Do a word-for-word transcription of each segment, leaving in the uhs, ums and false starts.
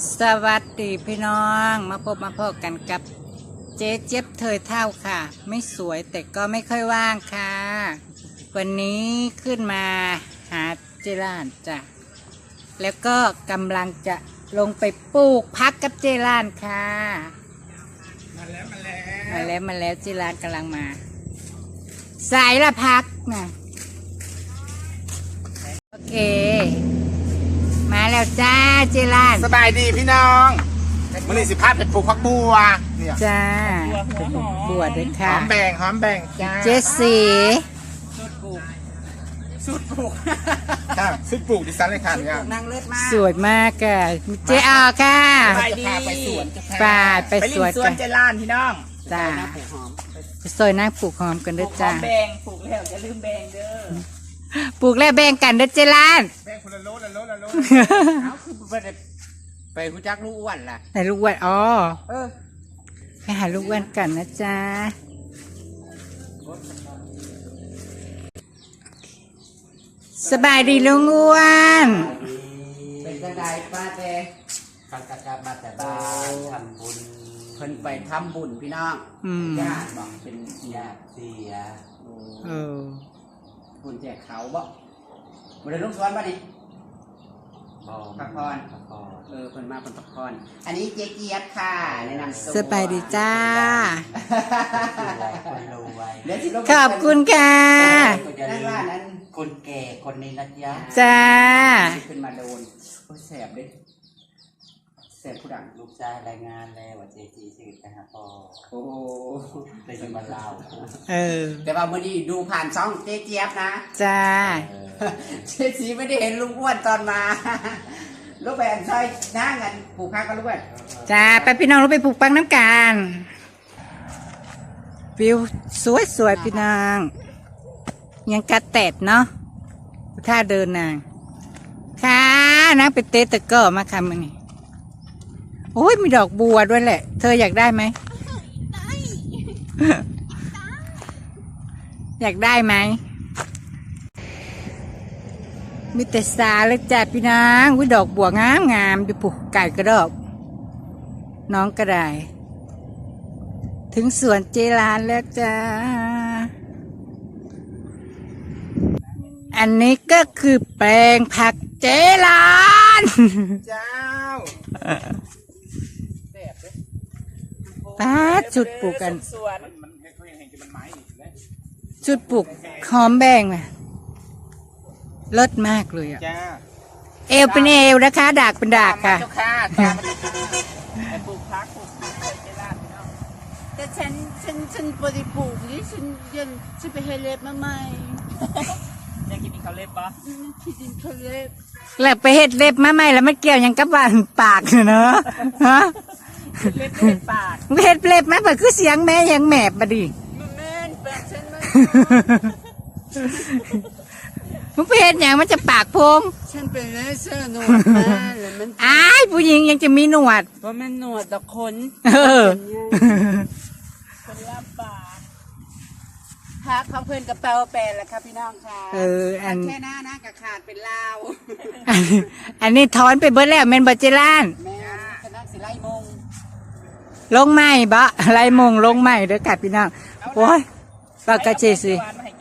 สวัสดีพี่น้องมาพบมาพบกันกับเจ๊เจี๊ยบเธอเท่าค่ะไม่สวยแต่ก็ไม่ค่อยว่างค่ะวันนี้ขึ้นมาหาเจรานจ้ะแล้วก็กำลังจะลงไปปลูกพักกับเจรานค่ะมาแล้วมาแล้วมาแล้วมาแล้วเจรานกำลังมาสายละพักนะโอเคมาแล้วจ้าเจรานสบายดีพี่น้องมันนี่สิพาไปปลูกผักบัวเนี่ยจ้าไปปลูกบัวด้วยค่ะหอมแบ่งหอมแบ่งจ้าเจสสีสุดปลูกสุดปลูกค่ะสุดปลูกดิฉันเลยค่ะเนี่ยสวยมากค่ะเจอาค่ะไปสวนป่าไปสวนสวนเจล้านพี่น้องจ้าไปซอยนั่งปลูกหอมกันด้วยจ้าแบ่งปลูกแล้วอย่าลืมแบ่งเด้อปลูกแล้วแบ่งกันด้วยเจล้านแบ่งคนละโลละโลละโลเอาคือไปไปรู้จักลูกอ้วนล่ะไหนลูกอ้วนอ๋อเออไปหาลูกอ้วนกันนะจ๊ะสบายดีลุงอ้วนเป็นจังไดป้าเต้ปักกะมาแต่บ้านทำบุญเพิ่นไปทำบุญพี่น้องญาติบอกเป็นญาติเสียเออบุญแจกเขาบ่บ่ได้ลงสวนบ่นี่พักผ่อนเออเพิ่นมาเพิ่นพักผ่อนอันนี้เจ๊เกียรติค่ะแนะนำตัวสบายดีจ้าขอบคุณค่ะนั่นว่านั้นคนแก่คนนี้นะจ๊ะจ้าขึ้นมาโดนโอ้แสบดิแสบผู้ดังลูกชายรายงานแล้วว่าเจ๊จีชื่อนะฮะพ่อโอ้ได้ยินมาเล่าเออแต่ว่ามื้อนี้ดูผ่านช่องเจ๊เจี๊ยบนะจ้าเจ๊จีไม่ได้เห็นลุงอ้วนตอนมาลูกแบนซอยนั่งกันปลูกพักกันลูกแบนจ้าไปพี่น้องเราไปปลูกปังน้ำกันวิวสวยสวยพี่นางยังกระแตดเนาะถ้าเดินนางค่ะนักไปเตะตะก้อมาคำมันนี่โอ้ยมีดอกบัวด้วยแหละเธออยากได้ไหมอยากได้ไหมมีแต่สาเลยจ้ะพี่นางวิดอกบัวงามงามอยู่ปลูกไก่กระดอกน้องกระไดถึงสวนเจรานแล้วจ้าอันนี้ก็คือแปลงผักเจรานเจ้าป้าจุดปลูกกันจุดปลูกหอมแบงเลยเลิศมากเลยอ่ะเอวเป็นเอวนะคะดากเป็นดากค่ะปลูกพักปลูกเจรานแต่ฉันฉันฉันบริปลูกนี่ฉันยังฉันไปเฮเล็บมาใหม่ยังกินเขาเล็บปะคิดดินเขาเล็บแล้วไปเห็ดเล็บมาใหม่แล้วมันเกี่ยวยังกับบ้านปากเนอะฮะเล็บเล็บปากเห็ดเล็บมาแบบคือเสียงแม่ยังแมบมาดิแม่ปากฉันไม่มึงไปเห็ดอย่างมันจะปากพงฉันเป็นเลเซอร์หนวดมาแล้วมันอ้ายผู้หญิงยังจะมีหนวดเพราะมันหนวดแต่คนเออคนละปากพักของเพื่อนกระเป๋าแปลนแล้วครับพี่น้องค่ะเอออันแค่หน้านะกระขาดเป็นลาวอันนี้ถอนไปเบิดแล้วเมนบัจเจล้านแม่คณะสิไลมงลงใหม่บะไลมงลงใหม่เด้อกัดพี่น้องโอ้ยปากกระเจสิ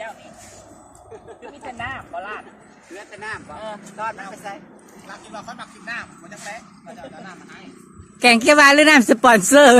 มีแต่น้ำบอลาดเหลือแต่น้ำบ่รอดมันไปใส่รักกินว่าเขาหมักกินน้ำมันจะแพ้มันจะเอาน้ำมาให้แกงเขียวหวานหรือน้ำสปอนเซอร์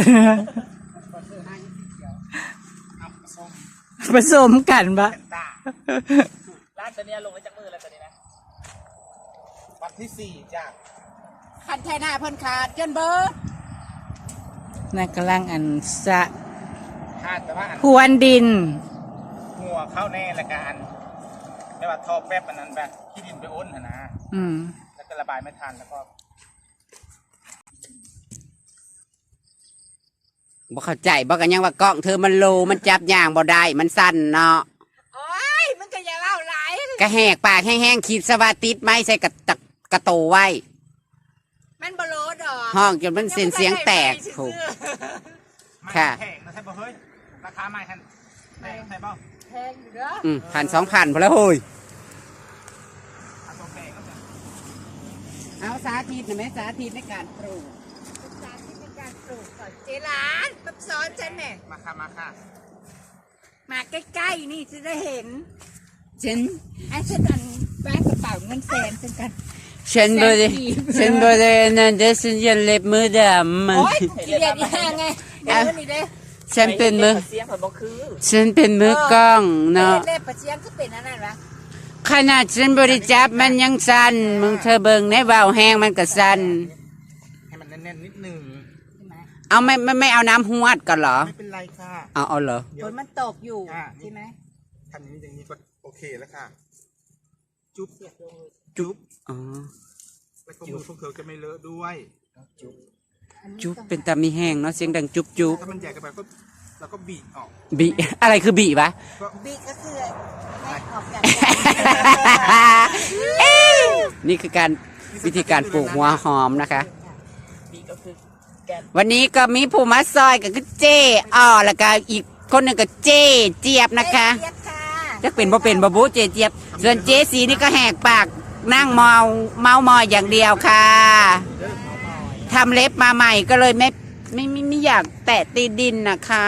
ผสมกันปะร้านตัวนี้ลงไว้จากมือแล้วตัวนี้นะวันที่สี่จ้ะคันไทยหน้าพ่นขาดจนเบอร์นักกำลังอันสะพรวนดินหัวเข้าแน่ละกันไม่ว่าทอแป๊บมันนั้นแบบที่ดินไปอ้นนะอืมแล้วก็ระบายไม่ทันแล้วก็บ่เข้าใจบ่กันยังว่ากล้องเธอมันโลมันจับย่างบ่ได้มันสั้นเนาะโอ้ยมันก็อย่าเล่าหลายกระแหกปากแห้งๆขีดสวัสดิตไม้ใส่กระตะกระโตไว้มันบ่โลดอกห้องจนมันเสียงเสียงแตกถูกค่ะแพงนะใช่ป่ะเฮ้ยราคาไม่ทันแพงใช่ป่ะแพงอยู่เด้ออืมพันสองพันพอแล้วเฮ้ยเอาสาธิตหน่อยไหมสาธิตในการปลูกสาธิตในการปลูกก่อนเจร้านมาสอนฉันเนี่ยมาค่ะมาค่ะมาใกล้ๆนี่จะได้เห็นฉันไอ้ฉันอันแบกกระเป๋าเงินแสนฉันกันฉันบริฉันบรินั่นเดฉันยันเล็บมือดำมันโอ๊ยกูเกลียดอีห่าไงเดี๋ยวนี่เด้ฉันเป็นมือเสียงผมบอกคือฉันเป็นมือกล้องเนาะเล่ปะเชียงก็เป็นอันนั้นวะขนาดฉันบริจับมันยังสั่นมึงเธอเบิ่งในเบาแห้งมันก็สั่นให้มันแน่นๆนิดนึงใช่ไหมเอาไม่ไม่ไม่เอาน้ำหวดก่อนเหรอไม่เป็นไรค่ะเอาเอาเหรอฝนมันตกอยู่ใช่ไหมทำอย่างนี้อย่างนี้ก็โอเคแล้วค่ะ จุ๊บจุ๊บอ๋อแล้วก็มือพวกเธอจะไม่เลอะด้วยจุ๊บจุ๊บเป็นตามีแห้งเนาะเสียงดังจุ๊บจุ๊บถ้ามันใหญ่เกันไปก็เราก็บีบออกบีอะไรคือบีวะบีก็คือให้ออกจากนี่คือการวิธีการปลูกหัวหอมนะคะบีก็คือแกนวันนี้ก็มีผู้มาซอยก็คือเจ้อ้อแล้วก็อีกคนหนึ่งก็เจ้เจี๊ยบนะคะเจี๊ยบค่ะจะเป็นบ่เป็นบ่บูเจ้เจี๊ยบส่วนเจ้สีนี่ก็แหกปากนั่งเมาเมามอยอย่างเดียวค่ะทำเล็บมาใหม่ก็เลยไม่ไม่ไม่ไม่อยากแตะตีดินนะคะ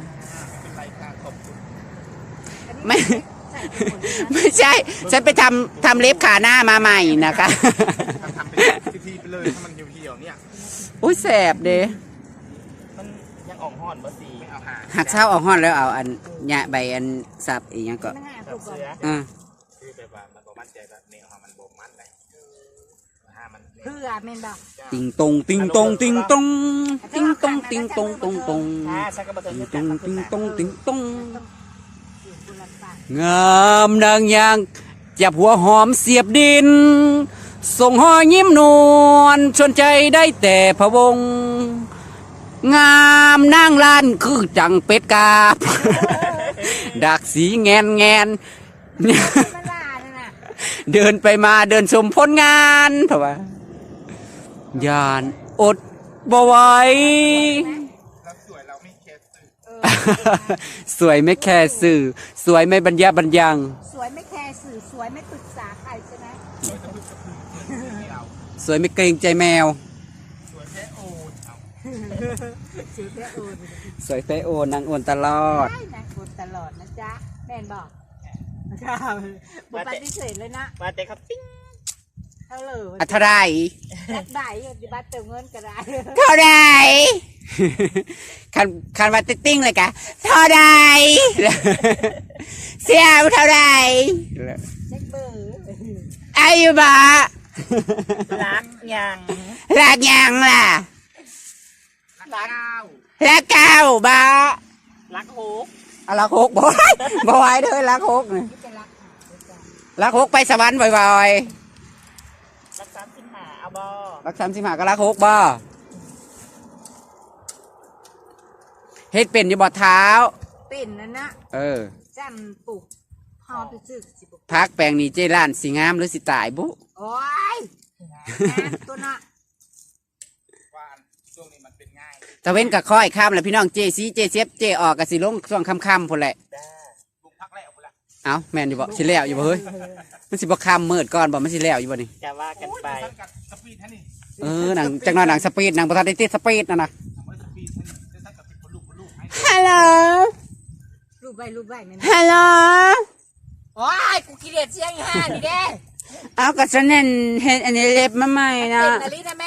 ไม่ไม่ใช่ ฉันไปทำทำเล็บขาหน้ามาใหม่นะคะทำเป็นทีๆไปเลยถ้ามันเหี่ยวๆเนี่ยอุ้ยแสบเด้มันยังอ่องห่อนบ่สีไม่เอาหาหักเช้าเอาห้อนแล้วเอาอันหยะใบอันสับอีกอย่างก็ไม่ให้ปลูกก่อนอ่าคือแบบว่ามันบ่มั่นใจแบบเนี่ยมันบ่มันเลยห้ามันเพื่อเมนบอกติงตงติงตงติงตงติงตงติงตงตงตงอ่าฉันก็มาเติติมงเงินตจากงทางติขึ้งนตงมาติงตงอยู่บุรพางามดังยางจับหัวหอมเสียบดิน ส่งหอยยิ้มนวลชวนใจได้แต่พะวง งามนางล้านคือจังเป็ดกาบ ดักสีแงนแงนมันลาเนี่ยนะเดินไปมาเดินชมผลงานเพราะว่ายานอดบ่ไหวแล้วสวยเราไม่แคร์สื่อสวยไม่แค่สื่อ สวยไม่บรรยาบรรยังสวยไม่แคร์สื่อสวยไม่ปรึกษาใครใช่ไหมไม่เอาสวยไม่เกรงใจแมวสวยแค่โอดเอาชื่อแค่อื่นสวยเฟโอนางโอนตลอดใช่นะคนตลอดนะจ๊ะแม่นบอกครับบอกปฏิเสธเลยนะมาแต่ครับปิ้งเท่าเลยอัธไรรักบ่ายดิบัตเติมเงินก็ได้เท่าไร คันคันว่าติ้งเลยกะเท่าไร เสียเท่าไรเช็คเบอร์อายุบะรักยังรักยังล่ะรักรักเก้าบะรักโฮกอะรักหกบ่อยบ่อยเด้อรักหกนี่ที่จะรักรักหกไปสวรรค์บ่อยรักสามสิบห้าเอาบอๆรักสามสิบห้าก็รักหกบ่เฮ็ดเป็นอยู่บ่เท้าเป็นนั่นนะเออจำปลูกพอไปซื้อสิบพักแปลงนี้เจร้านสิงามหรือสิตายบุโอ้ยตัวน่ะว่าช่วงนี้มันเป็นง่ายตะเว้นกับค่อยข้ามแล้วพี่น้องเจซีเจเซฟเจออกกับสิลงช่วงค่ำๆพุ่นแหละจ้าลุงพักแล้วพุ่นละเอ้าแม่นอยู่บ่สิแล้วอยู่บ่เฮ้ยมันสิบ่ค่ำมืดก่อนบ่มันสิแล้วอยู่บ่นี่จะว่ากันไปสังกัดสปีดแท่นี่เออหนังจักหน่อยหนังสปีดหนังบ่ทันได้ติดสปีดนั่นน่ะทำไว้สปีดแท่นี่ได้สังกัดเป็นคนลูกคนลูกให้ฮัลโหลรูปใบรูปใบแม่นฮัลโหลโอ้ยกูกิเลสเสียงห้านี่เด้เอาก็ฉันเห็นเห็นอันนี้เล็บมาใหม่นะเป็นนาฬินะแม่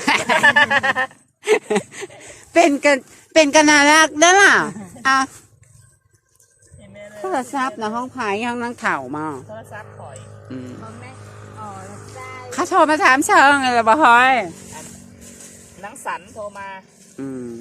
เป็นกันเป็นกันน่ารักเด้อล่ะอ่ะเห็นไหมเลโทรศัพท์นะห้องไผ่ยังนั่งเถ่ามาโทรศัพท์ข่อยอืมมองแม่อ๋อแล้วใจเขาโทรมาถามเชิงอะไรบ่ฮอยนังสันโทรมาอืม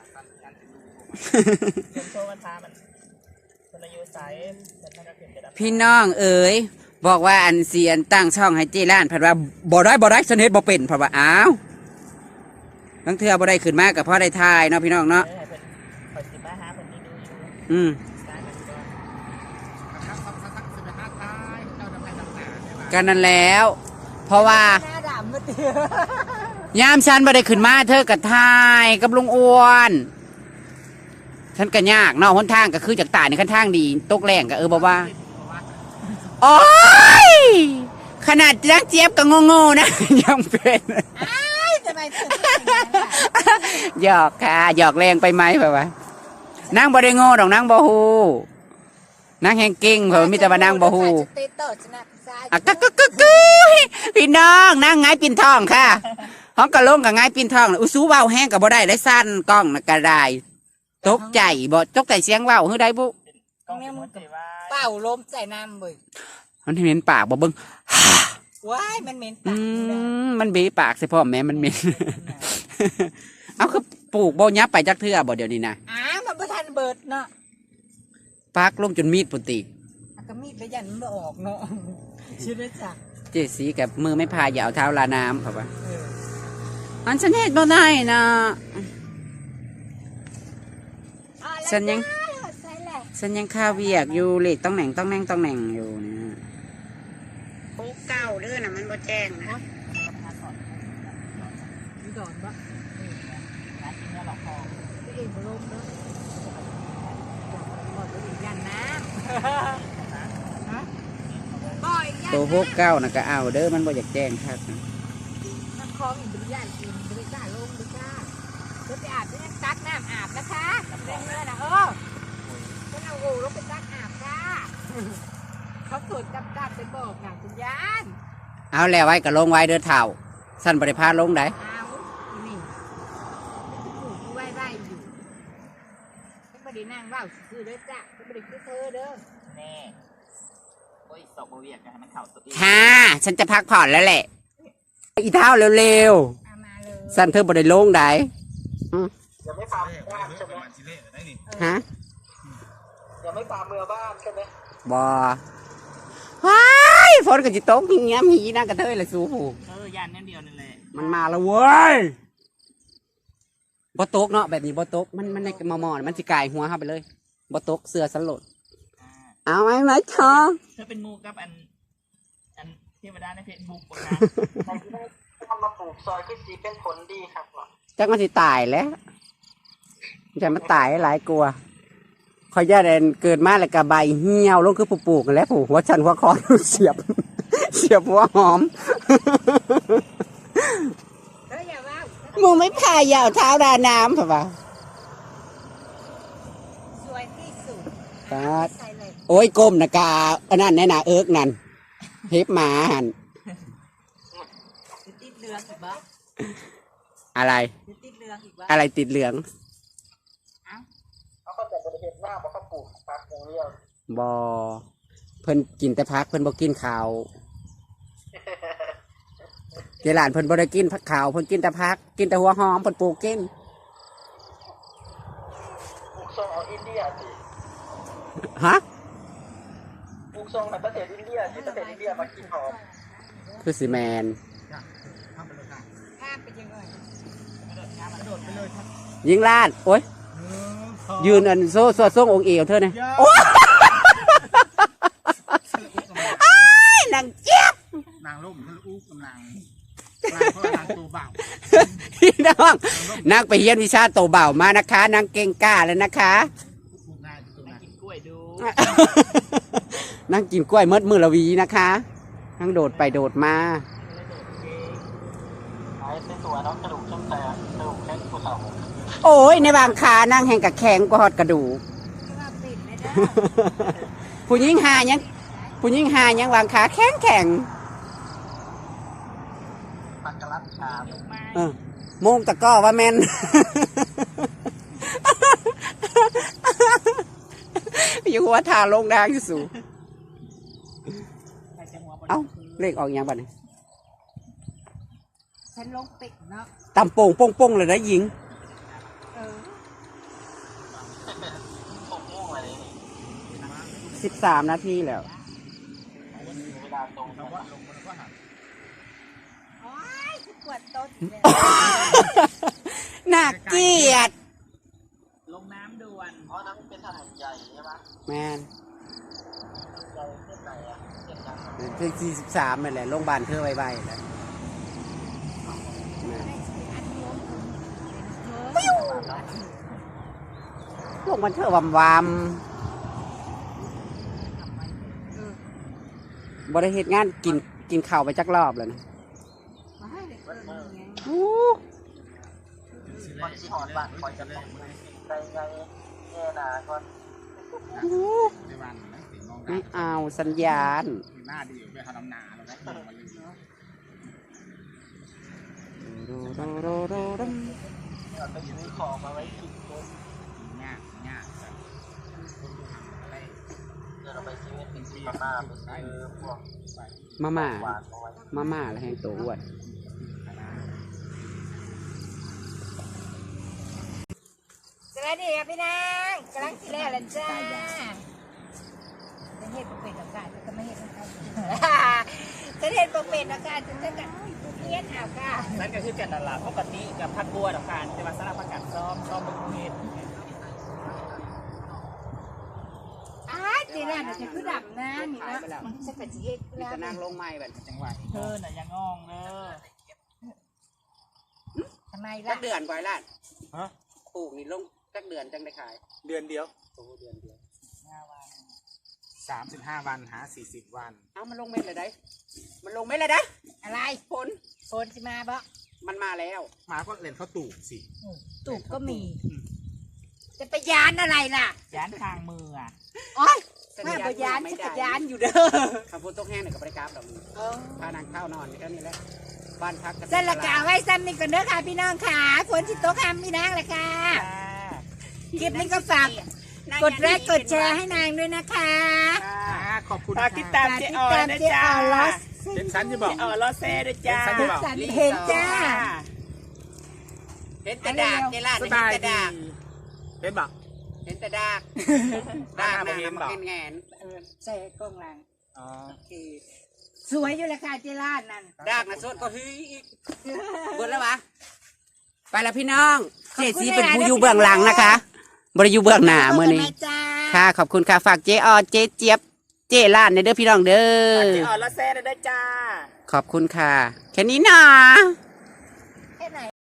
เดินโทรมาถามมันคนอายุไซส์แต่ถ้าก็ขึ้นไปดับพี่น้องเอ๋ยบอกว่าอันเสียนตั้งช่องให้เจร้านเพัดว่าบ่ได้บ่ได้ฉันเฮ็ดบ่เป็นเพราะว่าอ้าวทั้งเทื่อบ่ได้ขึ้นมากับพ่อได้ทายเนาะพี่น้องเนาะเออให้เพิ่นข่อยสิมาหาเพิ่นนี่ดูอยู่อืมสร้างกันก่อนทักทักทักทักสิบห้าท้ายเจ้าจะไปทำหนาใช่ไหมกันนั่นแล้ว เพราะว่าหน้าดำมืดเดียวยามฉันบ่ได้ขึ้นมาเธอกับทายกับลุงอ้วนฉันก็ยากเนาะหนทางก็คือจากตายในขั้นทางดีตกแรงก็เออบ่ว่าโอ้ยขขนาดนักเจี๊ยบก็โง่ๆนะ ยังเป็นอ้ายทำไมเธอเป็นอย่างนั้นล่ะหยอกค่ะหยอกแรงไปไหมเปล่าวะนางบ่ได้โง่ดอกนางบ่ฮู้นางแฮงเก่งเพิ่นมีแต่ว่านางบ่ฮู้สเตโต้ชนะซ้ายอ่ะกึกกึกกึกกึยพี่น้องนางไงปิ่นทองค่ะห้องกะลงกับไงปิ่นทองน่ะอุสูเว้าแห้งก็บ่ได้ได้สั้นกล้องน่ะก็ได้ตกใจบ่ตกใจเสียงเว้าฮือได้บุตรงนี้มึงกับเป่าลมใส่น้ำเว้ยมันเหม็นปากบ่เบิ่งว้ายมันเหม็นอืปากอยู่แล้วมมันเบะปากใส่พ่อแม่มันเหม็น เอาคือปลูกบ่ยับไปจักเทื่อบ่เดี๋ยวนี้นะอ้ามันประทันเบิดเนาะปักลงจนมีดปุ่นติอ่ะก็มีดไปยันมันบ่ออกเนาะชื่อได้จ้ะเจสีกับมือไม่พายอย่าเอาเท้าลาน้ำครับว่าเอออันฉันเฮ็ดบ่ได้นะอ่ะแล้วฉันยังได้ใส่แหละฉันยังข้าเวียกอยู่เลขต้องแหน่งต้องแหน่งต้องแหน่งอยู่นะโอ้เก่าเด้อนะมันบ่แจ้งนะมีก่อนปะเออหากินแล้วหรอกพอตัวเองบ่ลมเนาะบ่ตัวเองยันน้ำฮะบ่อยยันตัวพวกเก้านะก็เอาเด้อมันบ่อยากแจ้งครับน้ำคลองอีกบริยานกินบริการลงบริการเดี๋ยวไปอาบจะยังตักน้ำอาบนะคะเร่งเลยนะเออฉันเอาโอ่ลงไปตักอาบค่ะเขาตรวจจับจับไปบอกหนังคุณยานเอาแล้วไว้ก็ลงไว้เด้อเท่าสั้นบริพาลงได้เอาอีนี่ถูกไว้ไว้อยู่ฉันไม่ได้นั่งเว่าคือเด้อจ้ะฉันไม่ได้คือเธอเด้อแน่โอ้ยสอบโบเวียกนะมันเข่าตัวเองค่ะฉันจะพักผ่อนแล้วแหละอีเท้าเร็วเอามาเลยๆสั้นเธอบ่ได้ลงได้อืมยังไม่ฟาร์มบ้านใช่ไหมฮะยังไม่ฟาร์มเมือบ้านใช่ไหมบ่ว้ายฝนก็จะตกอย่างเงี้ยมีนะกระเทยละสูผูเออยันนั่นเดียวนั่นแหละมันมาแล้วเว้ยบ่ตกเนาะแบบนี้บ่ตกมันมันในมอมอๆมันสิกายหัวเข้าไปเลยบ่ตกเสือสลดเอาไหมไหมชอเธอเป็นมูกับอันอันเทวดาในเฟซบุ๊กนะใครที่ได้ทำมาปลูกซอยขึ้นสีเป็นผลดีครับหรอจักมันสิตายแล้วจะมันตายหลายกลัวขอยย่าแดนเกิดมาแล้วก็ใบเหี่ยวลงคือปลูกๆกันแหล้วผูกหัวชันหัวคอเสียบ เสียบหัวหอมเฮ้ยอย่าว่ามึงไม่พายยาวเท้าดาน้ำป่ะวะสวยที่สุดครับใส่เลยโอ้ยก้มนะกาอันนั้นแน่นาเอิกนั่นเฮ็บหมาหันติดเหลืองอีกบ่อะไรติดเหลืองอีกบ่อะไรติดเหลืองเขาก็จะบริเหตุว่าบอกเขาปลูกปากอย่างเดียวบอเพิ่นกินแต่พักเพิ่นบ่กินข้าวเจหลานเพิ่นบ่ได้กินผักขาวเพิ่นกินแต่พักกินแต่หัวหอมเพิ่นปลูกกินปลูกทรงเอาอินเดียสิฮะปลูกทรงในประเทศอินเดียที่ประเทศอินเดียมากินหอมคือสิแมนข้ามไปยังไงยิงลาดโอ้ยยืนอันโซ่โซ่ส่งองค์เอวเธอเนี่ยโอ้ยอ้ายนางเจี๊ยบนางล่มทะลุกำลังนางเพราะนางตัวเบาพี่น้องนางไปเรียนวิชาโตเบ่ามานะคะนางเก่งกล้าแล้วนะคะนางกินกล้วยดูนางกินกล้วยเมดมือละวีนะคะนางโดดไปโดดมาไอ้เป็นตัวน้องกระดูกช่างแต่กระดูกแข้งผู้สาวโอ้ยในบางขานางแห่งกับแข็งกว่าหอดกระดูกว่าปิดเลยเด้อผู้หญิงหายังผู้หญิงหายังวางขาแข็งแข็งปักกะลัดขาเออโมงตะก้อว่าแมน อยู่หัวทาลงดางอยู่สูงเอ้าเลขออกอยังบัดนี้ฉันลงปิดเนาะตำโป่งโป่งโป่งเลยนะหญิงเออผมม่วงอะไรนี่สิบสามนาทีแล้วเวลาตรงนะโอ้ยปวดต้นเลยน่าเกลียดลงน้ำด่วนอ๋อนั่นเป็นถนนใหญ่ใช่ไหมแมนใหญ่เส้นไหนอ่ะเส้นยังถึงสี่สิบสามนั่นแหละโรงพยาบาลเธอไว้ไว้แหละแม่นปิ้วโรงพยาบาลเธอวำวำบริเหตุงานกินกินข้าวไปจักรอบแล้วนะอู้คนที่หอดบ้านคอยจะต้องใจไงแง่นาก่อนไม่เอาสัญญาณหน้าดีไปทำน้ำหนาแล้วนะมาลืมเราไปซื้อของมาไว้กินต้นยากยากเดี๋ยวเราไปซื้อเป็นซีมาม่าไปซื้อพวกมาม่าหวานมาไว้มาม่าแล้วแห้งตัวอ้วนสวัสดีครับพี่นางกำลังกินแล้วล่ะจ้าจะเห็ดปกเป็ดอากาศจะไม่เห็ดนะคะจะเห็ดปกเป็ดอากาศจะจะเห็ดเอาค่ะนั่นก็คือแกนดาราปกติกับพักบัวดอกการจะมาสลับผักกาดซ้อมซ้อมบนเฮ็ดอ้าเจน่าเดี๋ยวจะคือดำนะนี่นะมันจะเป็นสีเห็ดมีแล้วแต่นั่งลงไม้แบบจังหวะเธอน่ะยังงองเด้อทำไมจัล่ะกเดือนกว่าล้านฮะปลูกนี่ลงจักเดือนจังได้ขายเดือนเดียวโอ้เดือนเดียวสามสิบห้าวันหาสี่สิบวันเอามันลงเม็ดเลยได้มันลงเม็ดเลยได้อะไรผลโฟนสิมาบ่มันมาแล้วหมาก็เล่นเขาตูกสิตูบก็มี จะไปยานอะไรล่ะย้านทางมืออ่ะโอ๊ยมาไปยานฉันก็ยานอยู่เด้อคำพูดตกแห้งหนึ่งกับไปกราฟดอกมือพานางข้าวนอนนี่ก็นี่แหละบ้านพักเส้นละกาไว้ซ้ำนี่ก่อนเด้อค่ะพี่น้องค่ะฝนที่ตกห้ามพี่นางเลยค่ะคลิปนี้ก็ฝากกดไลค์กดแชร์ให้นางด้วยนะคะขอบคุณฝากติดตามเจ๊ออยนะเจ๊จ้าออลอสเป็นชั้นจะบอกเจ๊ออลอสเซ่ด้วยจ้าเป็นชั้นจะบอกสันเห็นจ้าเห็นแต่ดากเจล่าสเห็นบายแต่ดีดากเป็นบอกเห็นแต่ดากดากหน้ามันแงนเออใส่กล้องหลังอ๋อโอเคสวยอยู่เลยค่ะเจลาดนั่นดากนะสดก็ฮึอีกเบิดแล้ววะไปแล้วพี่น้องเจสีเป็นผู้อยู่เบื้องหลังนะคะบริอยู่เบื้องหน้าเมื่อนี้จ้าค่ะขอบคุณค่ะฝากเจออเจเจี๊ยบเจล้านในเด้อพี่น้องเด้อเจ๊ออลอสเซ่ด้วยจ้าขอบคุณค่ะ แค่นี้นะ